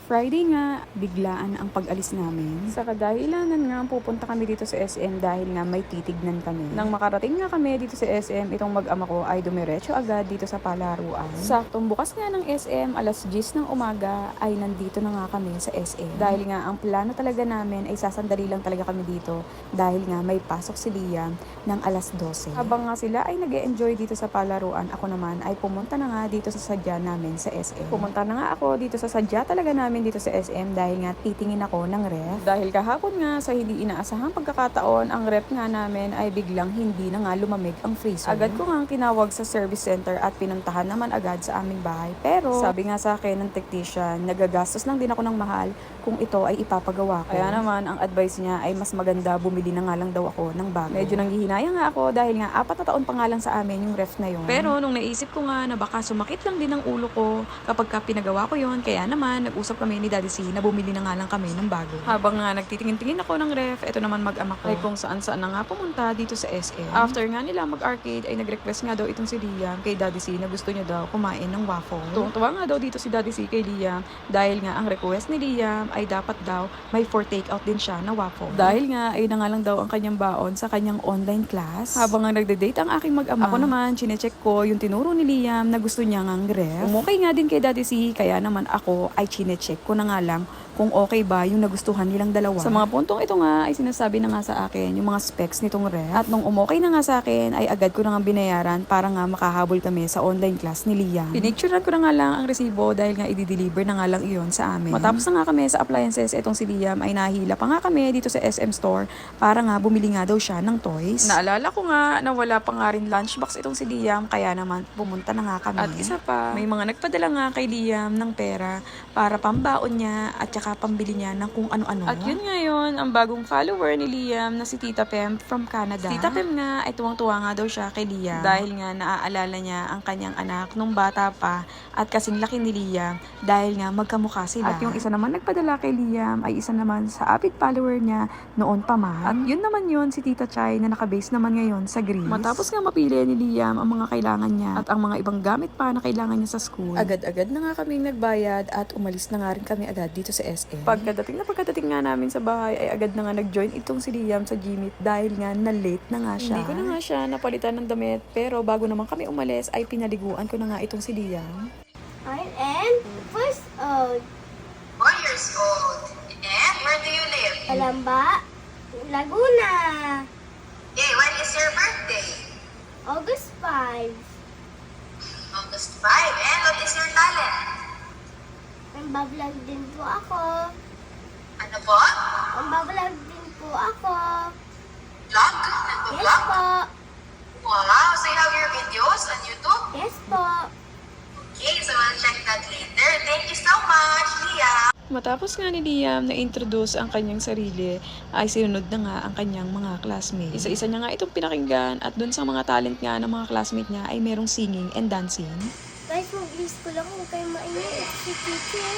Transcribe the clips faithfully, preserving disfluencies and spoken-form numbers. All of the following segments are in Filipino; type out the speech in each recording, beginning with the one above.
Friday nga, biglaan ang pag-alis namin. Sa kadahilanan nga, pupunta kami dito sa S M dahil nga may titignan kami. Nang makarating nga kami dito sa S M, itong mag-ama ko ay dumiretso agad dito sa palaruan. Saktong bukas nga ng S M, alas diyes ng umaga, ay nandito na nga kami sa S M. Dahil nga, ang plano talaga namin ay sasandali lang talaga kami dito dahil nga may pasok si Liam ng alas dose. Habang nga sila ay nag-e-enjoy dito sa palaruan, ako naman ay pumunta na nga dito sa sadya namin sa S M. Pumunta na nga ako dito sa sadya talaga namin dito sa S M dahil nga titingin ako ng ref. Dahil kahapon nga sa hindi inaasahang pagkakataon, ang ref nga namin ay biglang hindi na nga lumamig ang freezer. Agad ko nga tinawag sa service center at pinuntahan naman agad sa aming bahay. Pero sabi nga sa akin ng technician, nagagastos lang din ako ng mahal kung ito ay ipapagawa ko. Kaya naman ang advice niya ay mas maganda bumili na nga lang daw ako ng bago. Medyo nanghihinayang nga ako dahil nga apat na taon pa nga lang sa amin yung ref na yun. Pero nung naisip ko nga na baka sumakit lang din ang ulo ko kapag ka pinagawa ko yun, kaya naman nag-usap kami ni Daddy C na bumili na nga lang kami ng bago. Habang nga nagtitingin-tingin ako ng ref, eto naman mag-ama ko ay kung saan-saan na nga pumunta dito sa S M. After nga nila mag-arcade ay nag-request nga daw itong si Liam kay Daddy C na gusto niya daw kumain ng waffle. Tuwang-tuwa nga daw dito si Daddy C kay Liam dahil nga ang request ni Liam ay dapat daw may for take-out din siya na waffle. Dahil nga ay na nga lang daw ang kanyang baon sa kanyang online class. Habang nga nagde-date ang aking mag-ama, ako naman chinecheck ko yung tinuro ni Liam na gusto niya ngang ref. Umukay nga din kay Daddy C, kaya naman ako ay chinecheck ko na nga lang kung okay ba yung nagustuhan nilang dalawa. Sa mga puntong ito nga ay sinasabi na nga sa akin yung mga specs nitong ref. At nung umokay na nga sa akin ay agad ko na nga binayaran para nga makahabol kami sa online class ni Liam. Pinicturean ko na nga lang ang resibo dahil nga i-deliver na nga lang iyon sa amin. Matapos na nga kami sa appliances, itong si Liam ay nahila pa nga kami dito sa S M store para nga bumili nga daw siya ng toys. Naalala ko nga na wala pa nga rin lunchbox itong si Liam kaya naman pumunta na nga kami. At isa pa, may mga nagpadala nga kay Liam ng pera para pambaon niya at saka pambili niya ng kung ano-ano. At yun ngayon, ang bagong follower ni Liam na si Tita Pem from Canada. Si Tita Pem nga ay tuwang-tuwa nga daw siya kay Liam dahil nga naaalala niya ang kanyang anak nung bata pa at kasing laki ni Liam dahil nga magkamukha sila. At yung isa naman nagpadala kay Liam ay isa naman sa avid follower niya noon pa man. At yun naman yun si Tita Chay na nakabase naman ngayon sa Greece. Matapos nga mapili ni Liam ang mga kailangan niya at ang mga ibang gamit pa na kailangan niya sa school, agad-agad na nga kaming nagbayad at umalis na nga rin kami agad dito sa S M. Pagkadating na pagkadating nga namin sa bahay ay agad na nga nag-join itong si Liam sa Gmeet dahil nga na-late na nga siya. Hindi ko na nga siya napalitan ng damit pero bago naman kami umalis ay pinaliguan ko na nga itong si Liam. I am first old. Four years old. And where do you live? Palamba, Laguna, Hey, when is your birthday? August fifth. August five. And what is your talent? Mambablog din po ako. Ano po? Mambablog din po ako. Vlog? Yes Nagpo-vlog? po. Wow, so you have your videos on YouTube? Yes po. Okay, so we'll check that later. Thank you so much, Leah. Matapos nga ni Liam na introduce ang kanyang sarili, ay sinunod na nga ang kanyang mga classmates. Isa-isa niya nga itong pinakinggan at dun sa mga talent nga ng mga classmate niya ay merong singing and dancing. Guys, mag-list ko lang kung kayo mainit si teacher.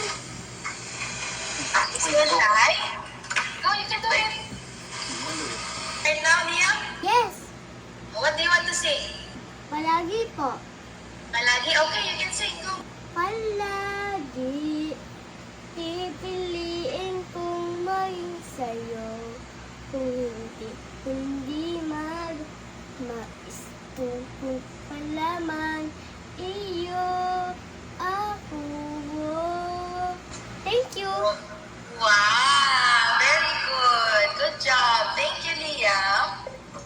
Is it live? Go, you can do it. And now, Leah, Yes, what do you want to sing? palagi po. Palagi? Okay, you can sing. Go. Palagi, pipiliin kong maging sa'yo. Kung hindi, hindi mag, maistuko palaman, iyo, ako. Thank you. Wow, very good. Good job. Thank you, Leah.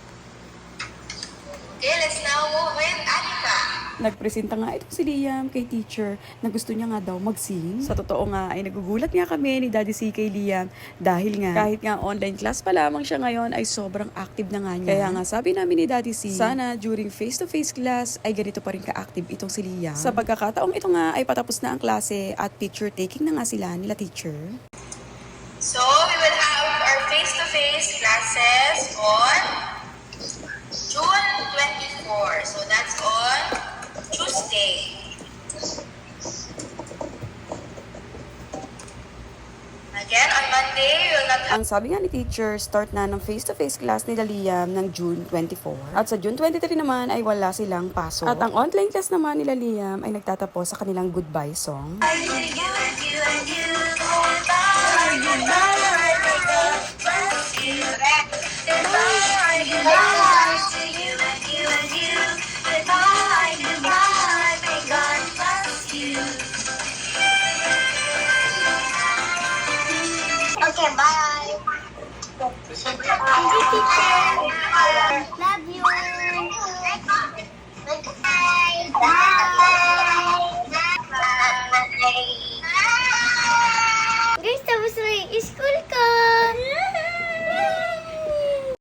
Okay, let's now move with Anika. Nagpresenta nga itong si Liam kay teacher na gusto niya nga daw mag-sing. Sa totoo nga ay nagugulat nga kami ni Daddy C kay Liam dahil nga kahit nga online class pa lamang siya ngayon ay sobrang active na nga niya. Kaya nga sabi namin ni Daddy C, sana during face-to-face class ay ganito pa rin ka-active itong si Liam. Sa pagkakataong ito nga ay patapos na ang klase at picture taking na nga sila nila teacher. So, we will have our face-to-face classes on June twenty-fourth. So, that's on Tuesday. Again, on Monday, we will not have... Ang sabi nga ni teacher, start na ng face-to-face class ni Liam ng June twenty-fourth. At sa June twenty-three naman ay wala silang pasok. At ang online class naman nila Liam ay nagtatapos sa kanilang goodbye song. I need you and you and you. Bye! Thank you, teacher. Love you. Bye! Bye!